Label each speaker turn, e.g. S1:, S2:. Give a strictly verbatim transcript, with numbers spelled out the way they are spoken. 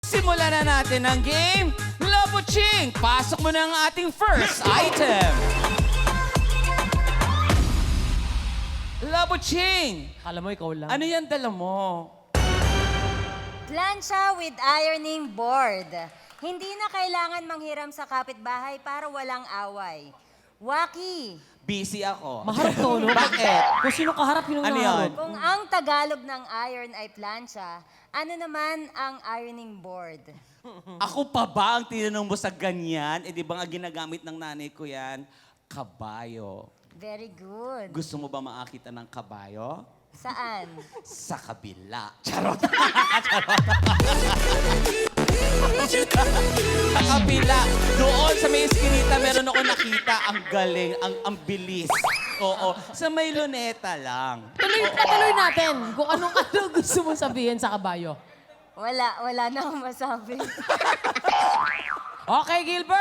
S1: Simulan na natin ang game. Labuching, pasok mo na ang ating first item. Labuching,
S2: Alam mo, ikaw lang.
S1: ano yan dala mo?
S3: Plancha with ironing board. Hindi na kailangan manghiram sa kapitbahay para walang away. Waki,
S1: Busy ako.
S2: Maharap to, no?
S1: Bakit?
S2: Kung sino kaharap, yun ang
S1: Ano
S2: naharap.
S1: yun?
S3: kung ang Tagalog ng iron ay plancha, ano naman ang ironing board?
S1: Ako pa ba ang tinanong mo sa ganyan? Eh di ba nga ginagamit ng nanay ko yan? Kabayo.
S3: Very good.
S1: Gusto mo ba makakita ng kabayo?
S3: Saan?
S1: Sa kabila. Charot. Sa kabila. Doon sa may eskinita, meron ako nakita. Ang galing, ang, ang bilis. Oo. Sa may luneta lang.
S2: Tuloy, natuloy natin kung anong ano gusto mo sabihin sa kabayo.
S3: Wala, wala na akong masabi.
S2: Okay, Gilbert.